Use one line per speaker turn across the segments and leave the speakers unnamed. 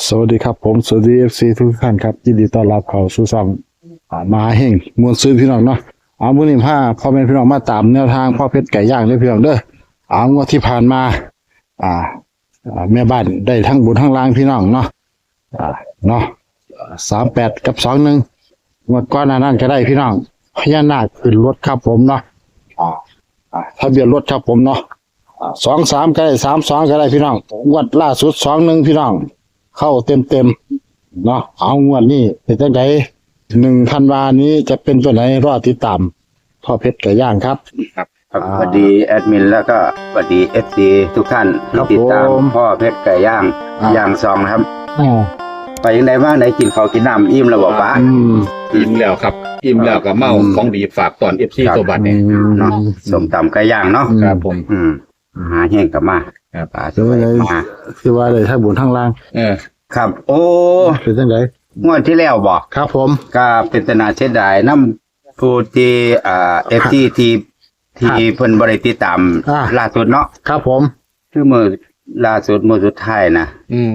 สวัสดีครับผมสวัสดีFC ทุกท่านครับยินดีต้อนรับเข้าสู่ช่องมหาเฮงมวลซื้อพี่น้องเนาะมื้อนี้พ่อแม่พี่น้องมาตามแนวทางพ่อเพชรไก่ย่างเด้อพี่น้องเด้องวดที่ผ่านมาอ่าแม่บ้านได้ทั้งบนทั้งล่างพี่น้องเนาะเนาะ38กับ21งวดก่อนหน้านั้นก็ได้พี่น้องพญานาคขึ้นรถครับผมเนาะทะเบียนรถครับผมเนาะ23ก็ได้32ก็ได้พี่น้องงวดล่าสุด21พี่น้องเข้าเต็มเนาะเอางวดนี้เป็นจังได1 ธันวานี้จะเป็นตัวไหนรอติดตามพ่อเพชรไก่ย่างครับ
ครับสวัสดีแอดมินแล้วก็สวัสดีFCทุกท่านที่ติดตามพ่อเพชรไก่ย่างย่างซองนะครับไปยังไงบ้างไหนกินข้าวกินน้ำอิ่มแล้วบอกป้า
อิ่มแล้วครับอิ่มแล้วก็เมาของดีฝากตอน FC ตัวบัตรเนี่ย
เนาะส้มตำไก่ย่างเนาะ
ครับผม
หาแห้งกลับมา
ครับ
คือว่าเลยคือว่าเลยทั้งบนทั้งล่าง
ครับโอ้
เป็นจังได
งวดที่แล้วบอก
ครับผม
ก็เป็นตนาเสียดายน้ำผู้ที่FTที่เพิ่นบริติดตามล่าสุดเนาะ
ครับผม
คือมือล่าสุดมือสุดท้ายนะ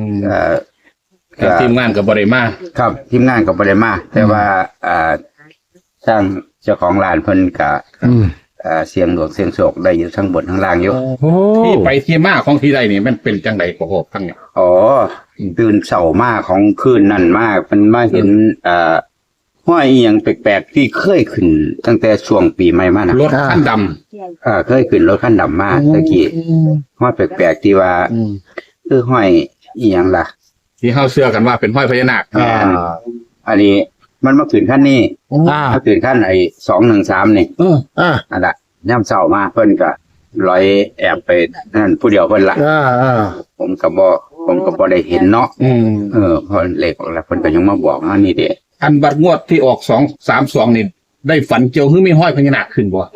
ทีมงานกับบริมา
ครับทีมงานกับบริมาแต่ว่าสร้างเจ้าของร้านเพิ่นกับเสียงหลวงเสียงโศกได้อยู่ทั้งบนทั้งล่างอยู่
ที่ไปที่มาของที่ใดนี่มันเป็นจังไดกว่าทั้งเนี่ย
อ๋อตื่นเสาร์มากของคืนนั่นมากมันมาเห็นห้อยอีหยังแปลกๆที่เคยขึ้นตั้งแต่ช่วงปีใหม่มานะ
รถคันดำ
เคยขึ้นรถคันดำมาตะกี้ห้อยแปลกๆที่ว่าห้อยอีหยังล่ะ
ที่เฮาเชื่อกันว่าเป็นห้อยพญานาค
อันนี้มันมาขึ้นขั้นนี้มาขึ้นขั้นไอ้213นี่อันละย่ำเศร้ามาเพิ่นก็ลอยแอบไปนั่นผู้เดียวเพิ่นละผมก็บ่ได้เห็นเนาะพอเลขออกแล้วเพิ่นก็ยังมาบอกว่านี่เด้
อันบัดงวดที่ออก232นี่ได้ฝันเกี่ยวคือมีห้อยพญานาคขึ้นบ่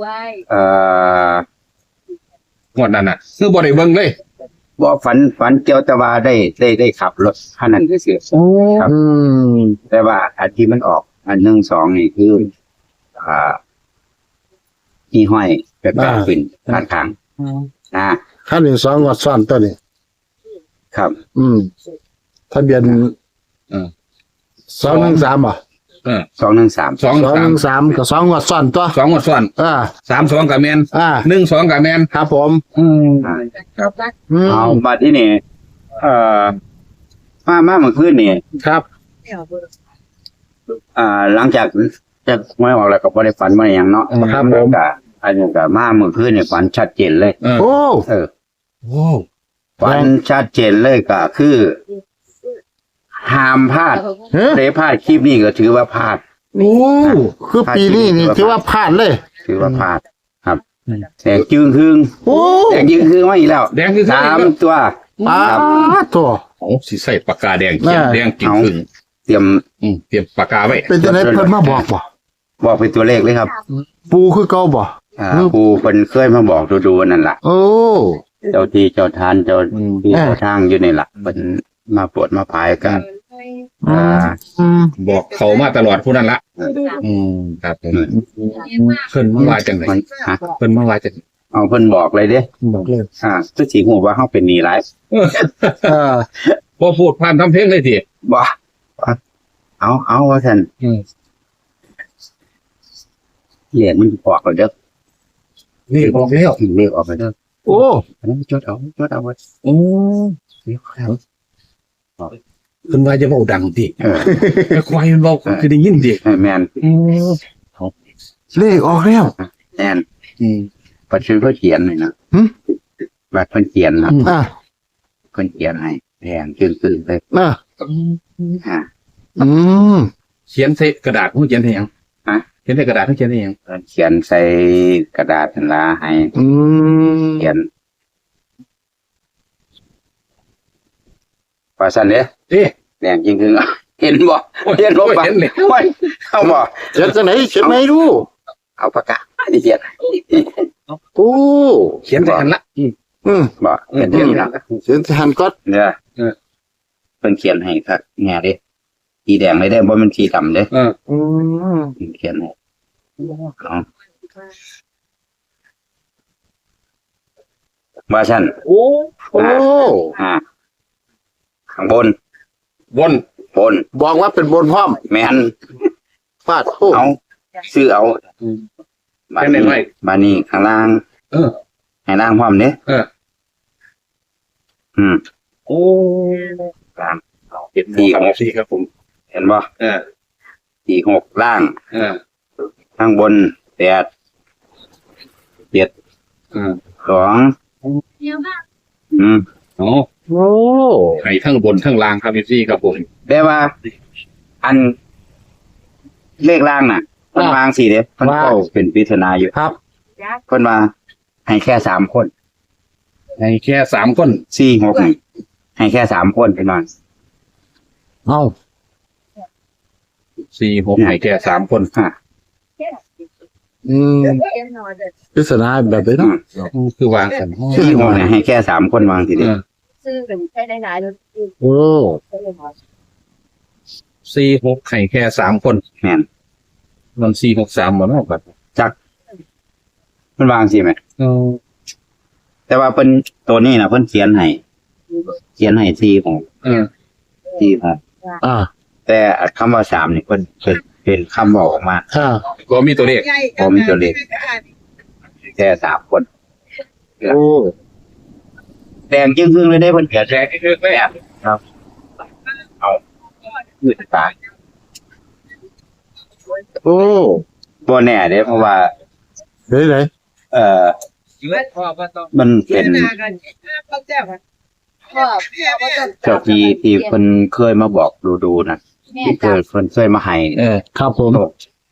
งวดนั้นน่ะคือบ่ได้เบิ่งเลย
บ่ฝันเกี่ยวแต่ว่าได้ขับรถคันนั้นซื่อๆครับแต่ว่าอันที่มันออกอัน1 2นี่คือที่ห้อยแปลกๆขึ้นด้านข้าง
ขั้น1 2งวดซ้อนตัวนี้
ครับ
ทะเบียน213บ่
213
ก็2งวดซ้อนตัว
2งวดซ้อน32ก็แม่น12ก็แม่น
ครับผม
ครับเอาบัดนี้นี่มาเมื่อคืนนี่
ครับ
หลังจากไม่ออกแล้วก็บ่ได้ฝันมาอย่างเนาะ
ครับผม
ก็อันนี้ก็มาเมื่อคืนนี่ฝันชัดเจนเลย
โอ้
ฝันชัดเจนเลยก็คือห้ามพลาดได้พลาดคลิปนี้ก็ถือว่าพลาด
คือปีนี้นี่ถือว่าพลาดเลย
ถือว่าพลาดครับแดงจึงครึ่งแดงจึงครึ่งมาอีกแล้ว
แดงคือ
3ตัว
ตัว
สิใส่ปากกาแดงเขียนแดงจึงครึ่ง
เตรียม
ปากกาไว้
เป็นจังได๋เพิ่นมาบอก
เป็นตัวเลขเลยครับ
ปูคือเก่าบ่
ปูเพิ่นเคยมาบอกดูนั่นล่ะเจ้าที่เจ้าทานเจ้าที่เจ้าทางอยู่นี่ล่ะเพิ่นมาโปรดมาพายกัน
บอกเขามาตลอดผู้นั้นละครับผมเพิ่นมาว่าจังได๋เพิ่นมาว่าจัง
เอาเพิ่นบอกเลยเด้
บอกเลย
คือสิฮู้ว่าเฮาเป็นหนี้หลาย
บ่พูดผ่านทำเพลงเลยติ
บ่เอาว่าซั่นเลขมันออกแล้วเด้อ
เลขออกแล้ว
เลขออกแล้วเด้อ
โอ้
อันนั้นจดเอาไว้
เลขแล้วเพิ่นว่าจะเว้าดังติแต่ควายมันเว้าคือได้ยินติ
แม่น
เลขออกแล้ว
แม่นปัจจุบันเพิ่นเขียนให้นะบัดเพิ่นเขียนนะเพิ่นเขียนให้แดงซื่อๆเลย
เขียนใส่กระดาษเขียนให้หยังเขียนใส่กระดาษเขียนให้หยัง
เขียนใส่กระดาษนั่นล่ะให้เขียนว่าซั่นเด้แดงจริงๆเห็นบ่เห็นบ่ปะเอาบ่
เขียนจังไหนเขียนไหนดู
เอาปากกาเขียน
เขียนใส่หันละ
บ่เขียนอย่างนี้ล่ะ
เขียนใส่หันก็
เนี่ยเพิ่นเขียนให้ครับแง่เด้สีแดงเลยได้บ่มันสีดำเด้เขียนให้ว่าซั่นข้างบน
บน
บน
บอกว่าเป็นบนพร้อม
แม่น
ฟาดโอ้
เอาซื้อเอา
แค่ไหนไม่
บานี้ข้างล่าง
เออ
ให้ล่างพร้อมเด้
เออ โอ้
ล่าง
เห็นดีครับพี่ครับผม
เห็นบ่
เออ
46ล่าง
เออ
ข้างบน8 7
เออ
2
โอ้
โอ้
ไข่ทั้งบนทั้งล่างครับพี่ครับผม
แต่ว่า อันเลขล่างน่ะเพิ่นวางสิเด้เพิ่นก็เป็นปริศนาอยู่
ครับ
เพิ่นว่าให้แค่3คน
ในแค่3 คน
46นี่ให้แค่3คนพี่น้อง
เอ้า
4-6ไข่แค่3 คน
ฮะ
อืมปริศนาแบบนี้เนาะ
คือวางกัน
46เนี่ยให้แค่3คนวางสิ
เอ
เด้
อ
ซื้อเป็นใช้ได้หลายรถ
โอ้
4-6ไข่แค่3 คน
แม่น
มัน4-6-3บ่เนาะแบบ
จักเพิ่นวางสิแม่
เออ
แต่ว่าเพิ่นตัวนี้น่ะเพิ่นเขียนให้46
เออ
46
อ่า
แต่คำว่า3นี่เพิ่นเป็นคำบอกออกมา
อ่า
ก็มีตัวเลข
ผมมีตัวเลข แค่3คน
โอ้
แดงจึ้งครึ่งเลยได้เพิ่นเขียน
แจกเยอะเลยอ่ะ
เอายืดตาย
โอ้
บ่แน่เด้เพราะว่า
เฮ้ยไหน
มันเป็น
พ่อ
เจ้าที่เพิ่นเคยมาบอกดูนะ
แม่
ที่เพิ่นเคยมาให้
ครับผม
โชค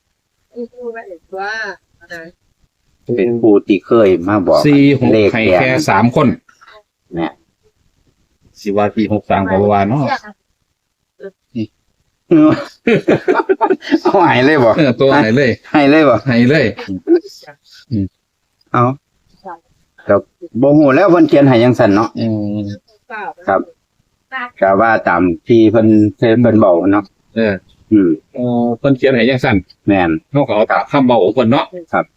เป็นผู้ที่เคยมาบอก
4-6ไข่แค่3 คน
เนี่ย
สิว่า4-6-3ก็บ่ว่าเนาะ
เอาให้เลยบ่
ตัวไหนเลย
ให้เลยบ่
ให้เลย
เอาแต่บ่ฮู้แล้วเพิ่นเขียนให้จังซั่นเนาะ ครับก็ว่าตามที่เพิ่นบอกเนาะ
เออ
อืม
เพิ่นเขียนให้จังซั่น
แม่น
เฮาก็เอาตามคำเว้าของเพิ่นเนาะ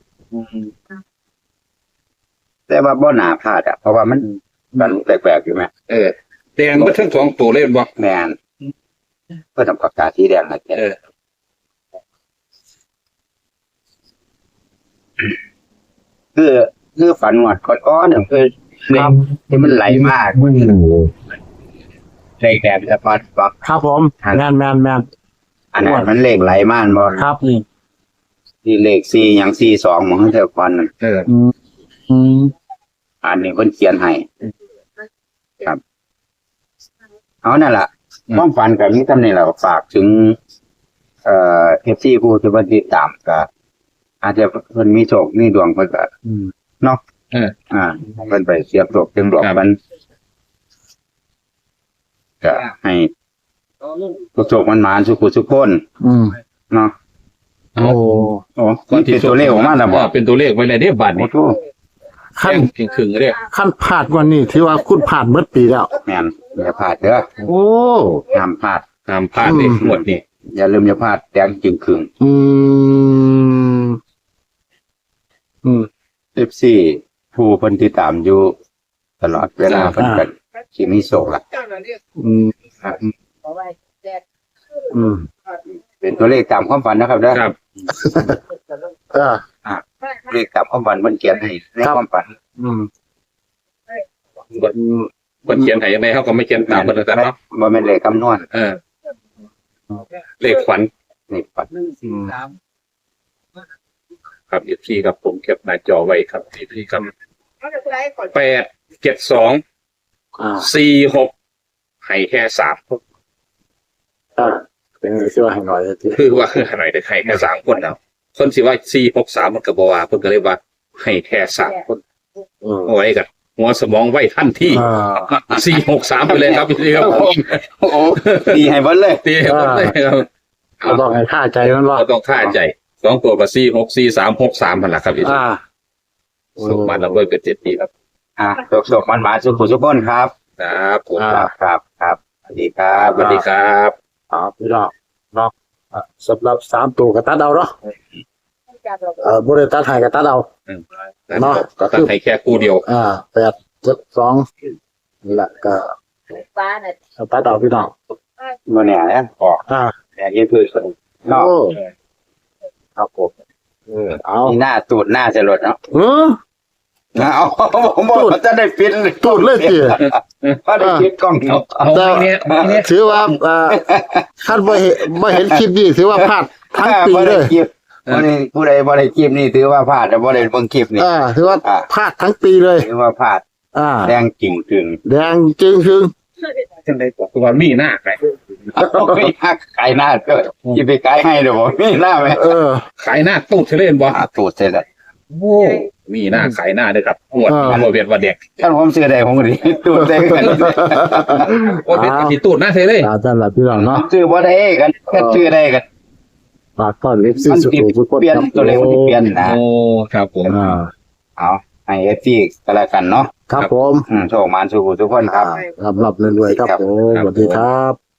แต่ว่าบ่น่าพลาดอ่ะเพราะว่ามันแปลกๆอยู่แม่
เออแดงเบิดทั้ง2ตัวเลยบ่
แม่นเพิ่นทำปากกาสีแดงให้แก
เออ
คือฝันหวดก้อนๆเนี่ยคือเลขที่มันไหลมากเลขแดงจะปัดปัก
ครับผมแมน
อันนั้นมันเลขไหลมากบ่
ครับนี่
ที่เลข4หยัง42มันเท่ากันนั่น
เออ
อืม
อันนี้เพิ่นเขียนให้ครับ เอานั่นล่ะความฝันกับนี้ทำนี่แหละฝากถึงFC ผู้ที่เพิ่นติดตามก็อาจจะเพิ่นมีโชคมีดวงเพิ่นก็ เนาะ
เออ
เพิ่นไปเสียบโชคจึงดวงมันก็ให้โชคมันมาสุขสุขคน
อืม
เนาะ
โอ้
โอ้เป็นตัวเลขออกมาแล้วบ่
เป็นตัวเลขไว้เลยเด้บัด
โอ้
นี้
โห
ขั้น
แดงครึ่งๆเด้
ขั้นพลาดกว่านี้ที่ว่าคุณผ่านเมื่อปีแล้ว
แม่นอย่าพลาดเด้อ
โอ้
ห้ามพลาด
ห้ามพลาดเลยหมดนี่
อย่าลืมอย่าพลาดแดงจึงครึ่ง
อืมอืม
FC ผู้เพิ่นติดตามอยู่ตลอดเวลาเพิ่นก็สิมีโชคล่ะ
อืม อืม
เป็นตัวเลขตามความฝันนะครับเด้อ
ครับ
เลขตามความฝันเพิ่นเขียนให้ในความฝัน
อืม
เพิ่นเขียนให้ยังไงเฮาก็ไม่เขียนตามเพิ่นแต่เนาะ
บ่แม่นเลขคำนวณ
เออ เลขฝัน
เลขฝัน
ครับ FC ครับผมเก็บหน้าจอไว้ครับ FC ครับ872
อ่า
46ให้แค่3
เป็นไงที่ว่าให้หน่อยที
คือว่าหน่อยได้ให้แค่3 คนแล้วคนสิว่า463มันก็บ่ว่าเพิ่นก็เลยว่าให้แค่3 คน
อืม
เอาไว้กันหัวสมองไว้ทันที 463ไปเลยครับพี่ครับผม
โอ้โหดีให้เบิ่นเลย
ตีให้หมดเลยครับ
เราต้องให้ท่าใจมันว่า
เราต้องท่าใจ2 ตัวกับ464363นั่นแหละครับพี่
อ่า
สุขมันระเบิดเกิด7 ปีครับ
โชคมันมาสุขสุขคนครับ
ครับผม
ครับสวัสดีครับ
สวัสดีครับ
พี่น้องเนาะสำหรับ3ตัวกับตัดเอาเนาะบริตัดให้กับตัดเอา เนาะก็
ตั
คื
ด
อ
ให้แค่คู่เดียว
8 7 2นี่แหละก็
ฟ้าน่ะ
ตัดเอาพี่น้อง
บ่เนี่ยนะออก แต่ยังคือเนาะ
โอ้ครับผมเอา
นี่หน้าตูดหน้าจะหลดเนาะ เอาผมบอกว่าจะได้ปิด
ตูดเลยจี
เพราะได้ปิดกล้องเนาะ
เอาไม่เนี่ย
ถือว่าท่านไม่เห็นคลิปนี้ถือว่าพลาดทั้งปีเลย
ผู้ใดบ่ได้คลิปนี่ถือว่าพลาดแต่บ่ได้เบิ่งคลิปนี่
ถือว่าพลาดทั้งปีเลย
ถือว่าพลาดแดงจริงถึง
แดงจึงคือ
จังได๋ตัวมีหน้าไง
ไม่ฮักไก่หน้าก็สิไปไก่ให้เด้อบ่มีหน้าไหม
ขายหน้าตูดเฉลยบ่
ตูดเสร็จแล้ว
โอ้มีหน้าขายหน้าเด้อครับปวดบ่เวียนว่าเด็ก
ท่านผมซื้อได้ผมก็ดิตูดได้กัน
โอ้เป็นสิตูดหน้าเฉลย
ท่านหลับพี่น้องเนาะ
ซื้อบ่ได้กันก็ซื้อได้กัน
ฝากต้อนเอฟซี
มัน
สุ
ติด
ขุมสุข
เปลี่ยนตัวเลขมันสิเปลี่ยนนะ
โอ้ครับผม
เอาให้ FC ก็แล้วกันเนาะ
ครับผม
โชคมานสู่ทุกคนครับ
รับรวยๆครับผมสวัสดีครับ